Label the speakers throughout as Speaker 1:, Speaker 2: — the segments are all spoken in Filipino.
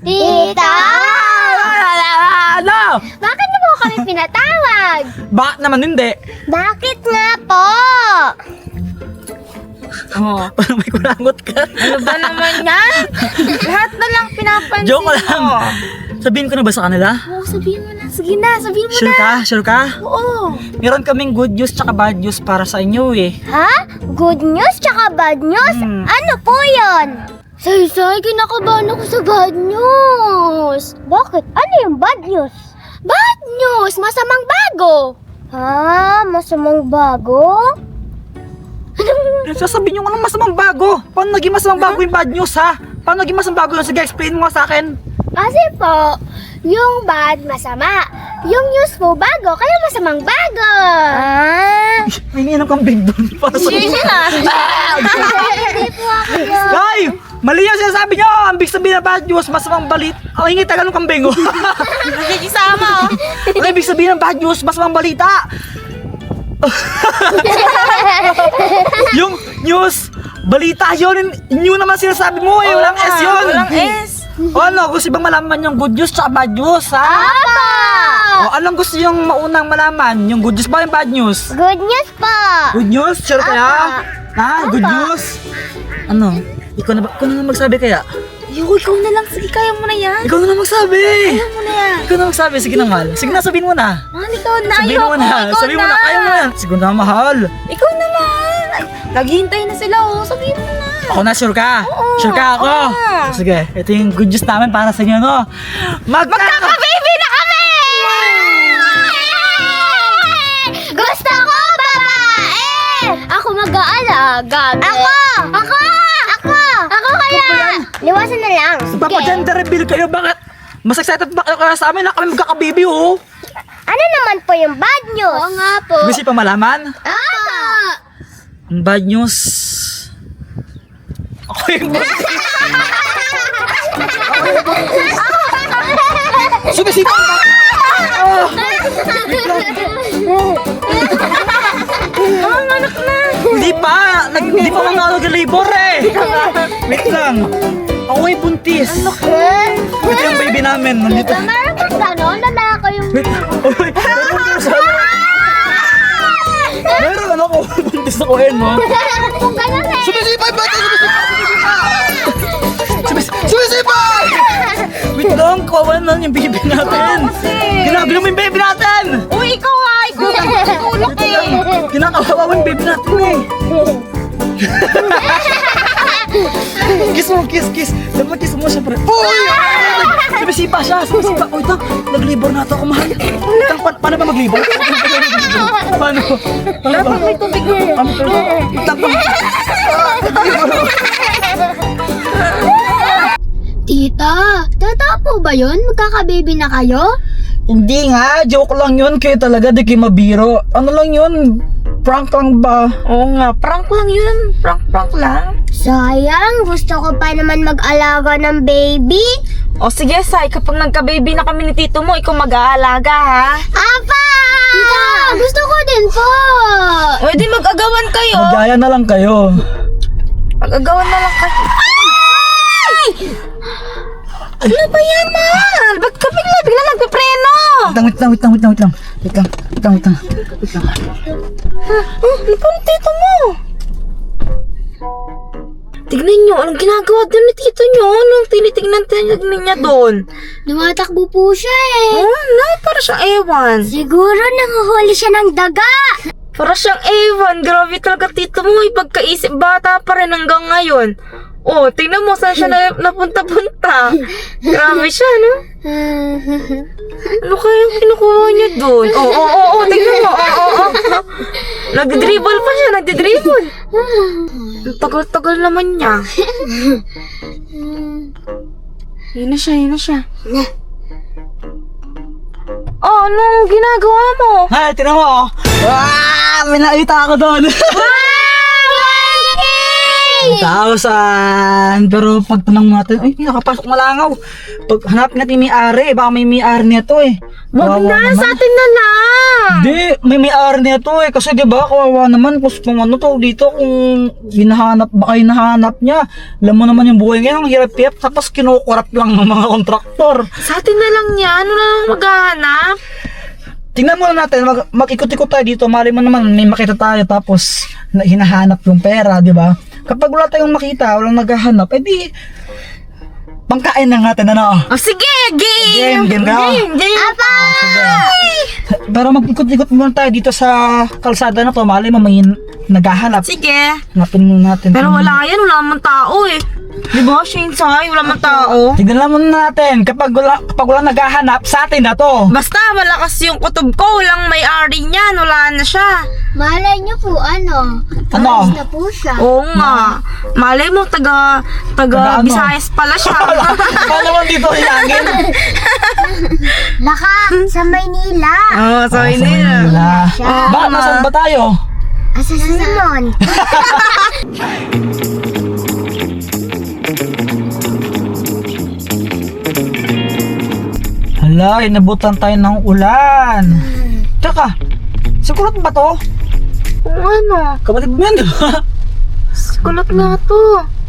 Speaker 1: Tita!
Speaker 2: Ano?
Speaker 1: Bakit mo po kami pinatawag?
Speaker 2: Bakit naman hindi?
Speaker 1: Bakit nga po?
Speaker 3: Oh.
Speaker 2: Parang may kulangot ka.
Speaker 3: Ano ba naman yan? Lahat na lang pinapansin
Speaker 2: Joke lang.
Speaker 3: mo.
Speaker 2: Sabihin ko na ba sa kanila?
Speaker 1: Oo, sabihin mo na. Sige na, sabihin mo
Speaker 2: Sure
Speaker 1: na.
Speaker 2: ka? Sure ka?
Speaker 1: Oo.
Speaker 2: Meron kaming good news tsaka bad news para sa inyo eh.
Speaker 1: Ha? Good news tsaka bad news? Ano po yun? Say, kinakabahan ako sa bad news. Bakit? Ano yung bad news? Bad news! Masamang bago! Ha? Masamang bago?
Speaker 2: Sasabihin nyo nga ng masamang bago. Paano naging masamang bago yung bad news ha? Paano naging masamang bago yun? Sige, explain mo nga sa akin.
Speaker 1: Kasi po, yung bad masama. Yung news po bago, kaya masamang bago. Ah?
Speaker 2: May iniinom kang big doon para sa
Speaker 1: Hindi po ako yun.
Speaker 2: Ay! Mali yung sinasabi nyo! Ang big sabihin ng bad news, masamang balit. Ang hingi tagalong kambing oh.
Speaker 3: Nakikisama oh.
Speaker 2: Ang ibig sabihin ng bad news, masamang balita. Yung news, balita yun. New naman sinasabi mo eh. Walang S yun.
Speaker 3: Walang S.
Speaker 2: O ano, gusto bang malaman yung good news tsaka bad news ha?
Speaker 1: Apa!
Speaker 2: O anong gusto yung maunang malaman? Yung good news ba yung bad news?
Speaker 1: Good news po.
Speaker 2: Good news? Sure kaya? Ha? Good news? Ano? Ikaw na magsabi kaya?
Speaker 3: Ikaw na lang. Sige, kaya mo na yan.
Speaker 2: Ikaw na lang magsabi!
Speaker 3: Kaya mo na yan.
Speaker 2: Ikaw na magsabi. Sige na, mahal. Sige na, sabihin mo na.
Speaker 3: Mahal, ikaw na.
Speaker 2: Sabihin mo na.
Speaker 3: Ikaw
Speaker 2: Sabihin mo na. Kaya mo na. Sige na, mahal.
Speaker 3: Ikaw naman. Ay, naghihintay na sila oh. Sabihin mo na.
Speaker 2: Ako na, sure ka?
Speaker 3: Oo,
Speaker 2: Sure ka ako?
Speaker 3: oo.
Speaker 2: Sige, ito yung good news namin para sa inyo, no?
Speaker 3: Magkaka-baby na kami!
Speaker 1: Gusto ko babae! Ako mag-aalaga. Ako! Ako kaya! Liwasan na lang.
Speaker 2: Papa-gender reveal kayo, bakit? Mas excited ba kayo sa amin na kami magkakababy, oh?
Speaker 1: Ano naman po yung bad news? Oo nga po.
Speaker 2: Gusto pa malaman? Ang bad news... Ako yung Sumisita ka!
Speaker 3: Anak na.
Speaker 2: Hindi pa! Hindi pa mga nag-labor eh! Wait lang! Ako ay buntis! Wait yung baby namin, nandito.
Speaker 1: Meron bang gano'n? Lalaki yung...
Speaker 2: Wait! Oh, wait! Meron ako! Buntis ako yun, no?
Speaker 1: Kung gano'n eh.
Speaker 2: Sumisipay ba ito? Sumisipay! Wait lang, kawawa na yung baby natin! Ginagalo mo yung baby natin!
Speaker 3: Uy, ikaw ah. Ikaw ang tulog eh.
Speaker 2: Kinakawawa mo yung baby natin eh! Kiss mo, kiss! Dapat kiss mo siya, pre! Uy! Sumisipa siya! Uy, ito! Nag-labor na ito ako, mahal! Paano ba mag-labor? Paano?
Speaker 3: Dapat may tubig mo.
Speaker 1: Tita, totoo po ba yun? Magkaka-baby na kayo?
Speaker 2: Hindi nga, joke lang yun. Kayo talaga, di kayo mabiro. Ano lang yun? Prank lang ba?
Speaker 3: Oo nga, prank lang yun. Prank lang.
Speaker 1: Sayang, gusto ko pa naman mag-alaga ng baby.
Speaker 3: O sige, Sai, kapag nagka-baby na kami ni tito mo, ikaw mag-aalaga ha.
Speaker 1: Apa! Tita, gusto ko din po.
Speaker 3: O di mag-agawan kayo.
Speaker 2: Magaya na lang kayo.
Speaker 3: Mag-agawan na lang kayo. Ay! Ano ba yan, mahal? Ba't ka bigla nagpipreno?
Speaker 2: Wait lang.
Speaker 3: Ano pa ng tito mo? Tignan nyo, anong ginagawa doon ni tito nyo? Anong tinitignan niya doon?
Speaker 1: Lumatakbo po siya eh.
Speaker 3: Oh, no, para siyang ewan.
Speaker 1: Siguro nanguhuli siya ng daga.
Speaker 3: Para siyang ewan. Grabe talaga tito mo. Ipagkaisip bata pa rin hanggang ngayon. Oh, tingnan mo saan siya napunta-punta. Grabe siya, no? Ano kayang kinukuha niya doon? Oo, tingnan mo. Oo. Nagdribble pa siya, nagdribble. Ang tagal-tagal naman niya. Yun na siya. Oh, anong ginagawa mo?
Speaker 2: Hay, tinan mo oh. May nakita ako doon. 5,000. Pero pag tanong natin, ay, nakapasok malangaw. Pag hanapin natin yung may-ari, baka may may-ari nito eh.
Speaker 3: Wag
Speaker 2: Kawawa
Speaker 3: na,
Speaker 2: naman.
Speaker 3: sa atin na lang.
Speaker 2: Hindi, may may-ari nito eh. Kasi diba, kawawa naman kung ano to dito, kung hinahanap, baka hinahanap niya. Alam mo naman yung buhay ngayon, ang hirap-hirap, tapos kinukurap lang ng mga kontraktor.
Speaker 3: Sa atin na lang yan. Ano na lang maghahanap?
Speaker 2: Tingnan muna natin, mag-ikot-ikot tayo dito, mali mo naman may makita tayo tapos hinahanap yung pera, di ba? Kapag wala tayong makita, walang naghahanap, edi pangkain na natin, ano?
Speaker 3: Oh, sige, game!
Speaker 2: Game ka?
Speaker 3: Game!
Speaker 1: Apa!
Speaker 2: Pero mag-ikot-ikot muna tayo dito sa kalsada na to, mali mo may naghahanap.
Speaker 3: Sige.
Speaker 2: Hanapin muna natin.
Speaker 3: Pero wala yan, wala naman tao eh. Di ba, Shinsay? Wala man tao.
Speaker 2: Tignan lang muna natin, kapag wala naghahanap, sa atin na to.
Speaker 3: Basta malakas yung kutob ko, walang may-ari niyan, wala na siya.
Speaker 1: Malay niyo po, ano?
Speaker 2: Ano?
Speaker 1: Alis na po siya.
Speaker 3: Oo nga. Malay mo, taga
Speaker 2: Taga ano?
Speaker 3: Visayas pala siya.
Speaker 2: Paano naman dito hilangin?
Speaker 1: Laka, sa Maynila.
Speaker 3: Oo, so hindi na.
Speaker 2: Wala.
Speaker 1: Siya.
Speaker 2: Bakit nasaan ba tayo?
Speaker 1: Asa sa Simon.
Speaker 2: Hala, inabutan tayo ng ulan. Tsaka, sikulat ba to?
Speaker 3: Kung ano,
Speaker 2: Kapatid mo yan, di ba?
Speaker 3: kulot nga to.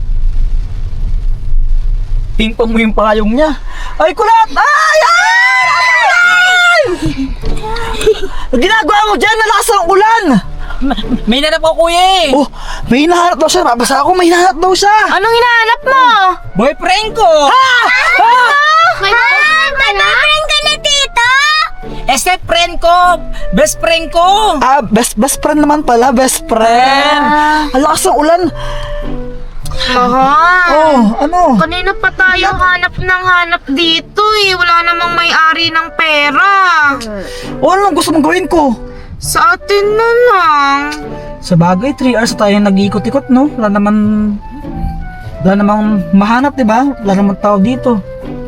Speaker 2: Pingpong mo yung payong niya. Ay, kulat! Ay! Ay! Ang ginagawa mo dyan, nalakas ang ulan!
Speaker 4: May nanap ko kuya eh.
Speaker 2: Oh, may hinahanap daw siya. Babasa ako, may hinahanap daw siya.
Speaker 3: Anong hinahanap mo?
Speaker 4: Boyfriend ko.
Speaker 1: May boyfriend ka na, tito?
Speaker 4: Step friend ko. Best friend ko.
Speaker 2: Ah, best friend naman pala, best friend. Ang lakas ng ulan.
Speaker 3: Aha.
Speaker 2: Oh, ano?
Speaker 3: Kanina pa tayo hanap ng hanap dito eh. Wala namang may-ari ng pera.
Speaker 2: Oh, ano gusto mong gawin ko?
Speaker 3: Sa atin na lang.
Speaker 2: Sa bagay, 3 hours na tayo nag-iikot-ikot, no? Wala namang mahanap, di ba? Wala namang tao dito.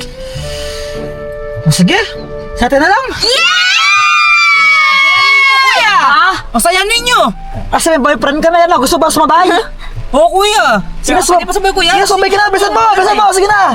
Speaker 2: Oh, sige, sa atin na lang.
Speaker 4: Kuya. Masaya ninyo.
Speaker 2: Asa may boyfriend ka na yan, gusto ba sumabay?
Speaker 4: Oo kuya.
Speaker 2: Sige,
Speaker 4: Sige pa sabay kuya.
Speaker 2: Sige, sumabay ka na, bilisan mo, sige na.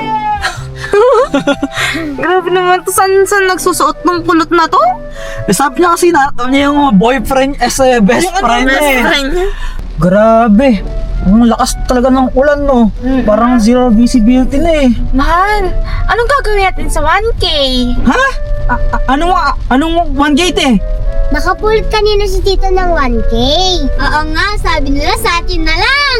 Speaker 3: Grabe naman to. Saan nagsusuot ng kulot na to?
Speaker 2: Sabi niya kasi na niya yung boyfriend as a best friend
Speaker 3: Best
Speaker 2: eh.
Speaker 3: friend niya.
Speaker 2: Grabe. Ang lakas talaga ng ulan, no? Parang zero visibility na eh.
Speaker 3: Mahal, anong gagawin natin sa 1K?
Speaker 2: Ha? Anong one gate eh?
Speaker 1: Nakapulot kanina si tito ng 1K. Oo nga, sabi nila sa atin na lang.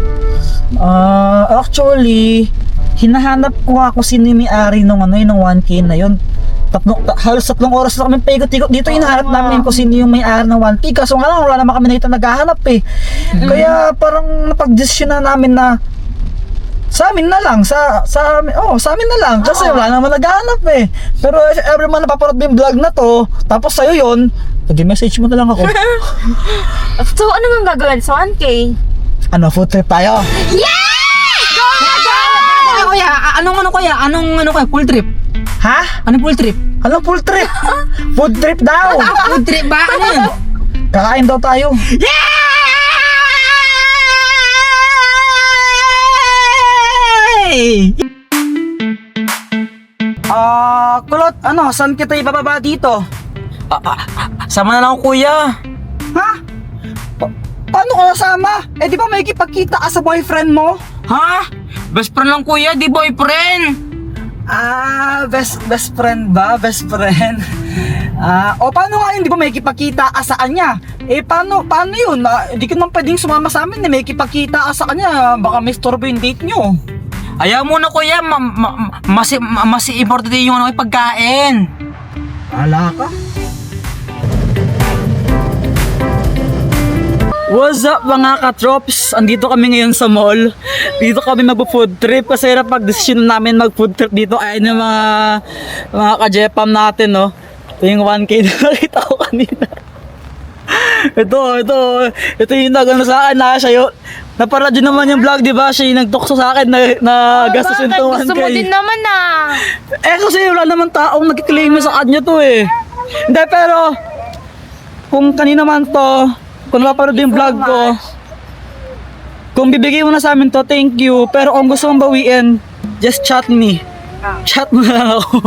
Speaker 2: Actually, hinahanap ko nga kung sino yung may-ari nung 1K na yun. Halos 3 oras na kami paikot-ikot dito, hinahanap namin kung sino yung may-ari ng 1K. Kaso nga lang, wala naman kami nakita naghahanap eh. Kaya parang napag-desisyon na namin na sa amin na lang, sa amin na lang. Kasi wala naman naghahanap eh. Pero if ever man napapanood mo yung vlog na to, tapos sa'yo yun, pag-message mo na lang ako.
Speaker 3: So, ano nga gagawin sa 1K?
Speaker 2: Ano, food trip tayo?
Speaker 4: Kuya, anong kuya? Full trip.
Speaker 2: Ha?
Speaker 4: Anong full trip?
Speaker 2: Anong full trip? Food trip daw!
Speaker 4: Food trip ba? Ano yun?
Speaker 2: Kakain daw tayo.
Speaker 4: Yay!
Speaker 2: Kulot, saan kita ibababa dito?
Speaker 4: Sama na lang ako kuya.
Speaker 2: Ha? Paano ka nasama? Eh di ba may kipagkita ka sa boyfriend mo?
Speaker 4: Ha? Best friend lang kuya, di boyfriend.
Speaker 2: Best friend ba? Best friend? Paano nga yun? Di ba may kipagkita ka sa kanya? Eh paano yun? Hindi ka naman pwedeng sumama sa amin na may kipagkita ka sa kanya. Baka may storbo yung date nyo.
Speaker 4: Ayaw mo na kuya, mas importante yung pagkain.
Speaker 2: Ala ka? What's up mga ka-trops? Andito kami ngayon sa mall. Dito kami mag-food trip kasi napag-desisyon namin mag-food trip dito ay ng mga ka-jepam natin, no? Ito yung 1K na nakita ko kanina. Ito yung nagano sa akin na siya yun. Naparadyo naman yung vlog, di ba? Siya yung nagtukso sa akin na gastusin itong 1K.
Speaker 3: Gusto mo din naman
Speaker 2: Kasi wala naman taong nagkiklaim sa kanya to eh. Hindi, pero kung kanina man to, kung napapanood yung vlog ko, Kung bibigay mo na sa amin to, thank you. Pero kung gusto mong bawiin, just chat me. Chat mo na lang ako.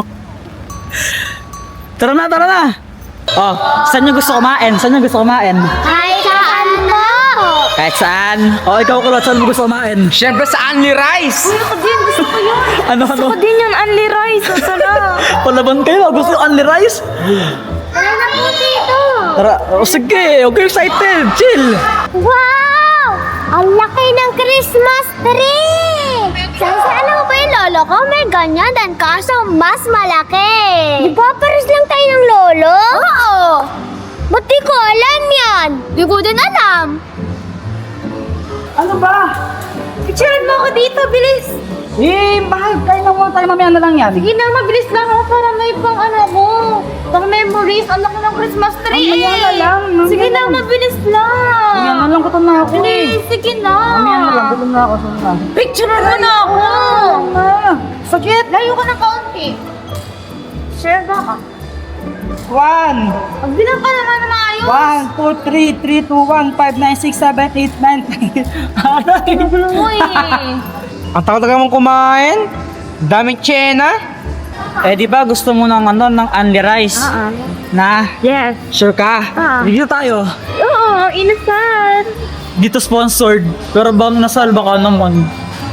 Speaker 2: Tara na. Oh, saan nyo gusto kumain?
Speaker 1: Kahit saan po.
Speaker 2: Kahit saan. Oh, ikaw kulot, saan mo gusto kumain?
Speaker 4: Siyempre sa Only Rice.
Speaker 3: Ako din, gusto ko yun.
Speaker 2: Ano?
Speaker 3: Gusto ko din yung only rice. Ang sarap.
Speaker 2: Palaban kayo, gusto yung only rice?
Speaker 1: Tara na po dito.
Speaker 2: Tara, oh, sige, okay, excited, chill.
Speaker 1: Wow! Ang laki ng Christmas tree! Ano ba yung lolo ko? May ganyan din, kaso mas malaki. Di ba pares lang tayo ng lolo? Oo. Ba't di ko alam yan? Di ko din alam.
Speaker 2: Ano ba?
Speaker 3: Picturean mo ako dito, bilis.
Speaker 2: Bakit? Kain na muna tayo, mamaya na lang yan.
Speaker 3: Sige na, mabilis lang ako para may pang ano ko. Pang memories. Ang laki ng Christmas tree.
Speaker 2: Mamaya na lang, mamaya
Speaker 3: Sige na,
Speaker 2: lang.
Speaker 3: mabilis lang.
Speaker 2: Mamaya na lang, gutom na ako.
Speaker 3: Bilis, sige na.
Speaker 2: Mamaya na lang, gutom na ako.
Speaker 3: Picturean mo na ako.
Speaker 2: Sakit!
Speaker 3: Layo ka ng kaunti. Share ba ka?
Speaker 2: 1,
Speaker 3: Magbilang ka naman na maayos.
Speaker 2: 1, 2, 3, 3, 2, 1, 5, 9, 6, 7, 8, 9, 10. Aray!
Speaker 3: Gulo mo eh.
Speaker 4: Ang tagal mong kumain. Daming tsena.
Speaker 2: Eh, di ba gusto mo ng ng only rice? Na?
Speaker 3: Yes.
Speaker 2: Sure ka? Dito tayo.
Speaker 3: Oo, inasal.
Speaker 2: Dito sponsored. Pero bang nasal baka naman.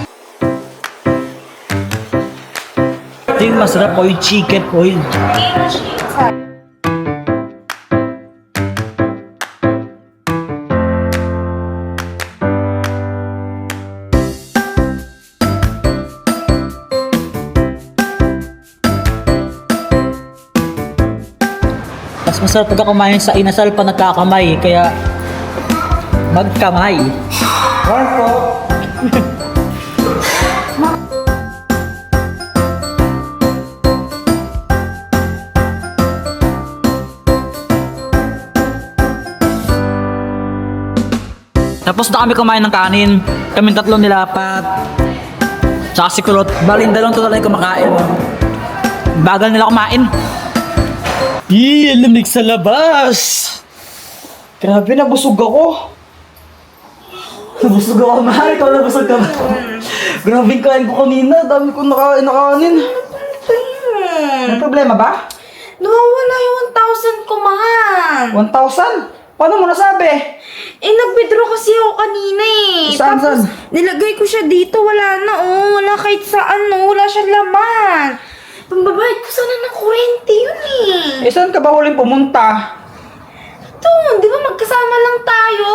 Speaker 2: Ito yung masarap ko yung chicken oil. Mas masarap pagka kumain sa inasal pa nagkakamay. Kaya magkamay. One po. Tapos na kami kumain ng kanin. Kaming tatlo nilapat. Tsaka si Kulot. Bali, dalawang tuloy kumakain. Bagal nila kumain. Ang lamig sa labas. Grabe, nabusog ako. Nabusog ako, mahal. Ikaw nabusog ka ba? Grabe yung kain ko kanina. Dami ko nakain na kanin. May problema ba?
Speaker 3: Nawawala yung 1,000 ko, man.
Speaker 2: 1,000? Paano mo nasabi?
Speaker 3: Nag-withdraw kasi ako kanina eh.
Speaker 2: Saan,
Speaker 3: Tapos,
Speaker 2: saan?
Speaker 3: nilagay ko siya dito. Wala na, oh. Wala kahit saan, no. Wala siyang laman. Pambabayad ko sana ng kurente yun eh.
Speaker 2: Eh, saan ka ba huling pumunta?
Speaker 3: Ito, di ba magkasama lang tayo?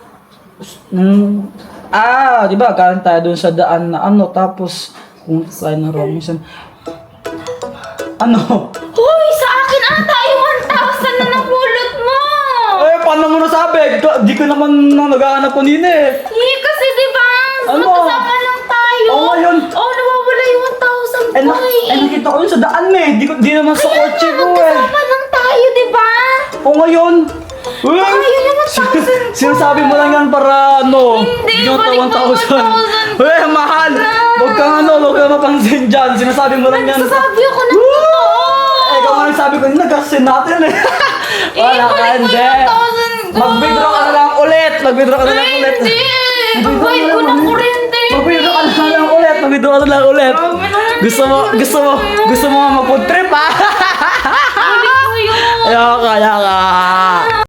Speaker 2: Di ba? Galing tayo dun sa daan na tapos pumunta tayo ng Robinson.
Speaker 3: Hoy, sa akin ata yung 1,000 na napulot mo.
Speaker 2: Eh, paano mo nasabi? Di ko naman naghahanap kanina eh.
Speaker 3: Kasi di ba?
Speaker 2: Ano?
Speaker 3: Magkasama lang tayo.
Speaker 2: Oo, ngayon.
Speaker 3: Oh, nawawala yung 1,000 ko eh.
Speaker 2: Nakita ko yun sa daan eh. Di naman sa
Speaker 3: Kaya
Speaker 2: kotse
Speaker 3: nga,
Speaker 2: ko eh.
Speaker 3: magkasama lang tayo, di ba?
Speaker 2: O ngayon. Uy!
Speaker 3: Ayun yung 1,000 ko.
Speaker 2: Sinasabi mo lang yan para
Speaker 3: Hindi,
Speaker 2: yung
Speaker 3: balik mo
Speaker 2: 1,000.
Speaker 3: 1,000.
Speaker 2: Uy, mahal! Huwag kang huwag kang mapansin dyan. Sinasabi mo lang yan.
Speaker 3: Nagsasabi ako ng totoo.
Speaker 2: Eh, ikaw nga nagsabi ko, nagkasin natin eh. Wala ka,
Speaker 3: balik mo
Speaker 2: hindi.
Speaker 3: yung 1,000 ko.
Speaker 2: Mag-withdraw ka na lang ulit. Mag-withdraw ka na lang ulit.
Speaker 3: Hindi. Pagbayad ko ng kurente.
Speaker 2: Mag-withdraw ka na lang ulit. Mag-withdraw ka na lang ulit. Gusto mo mag-food trip ha?
Speaker 3: Balik mo yun.
Speaker 2: Ayoko, ayoko.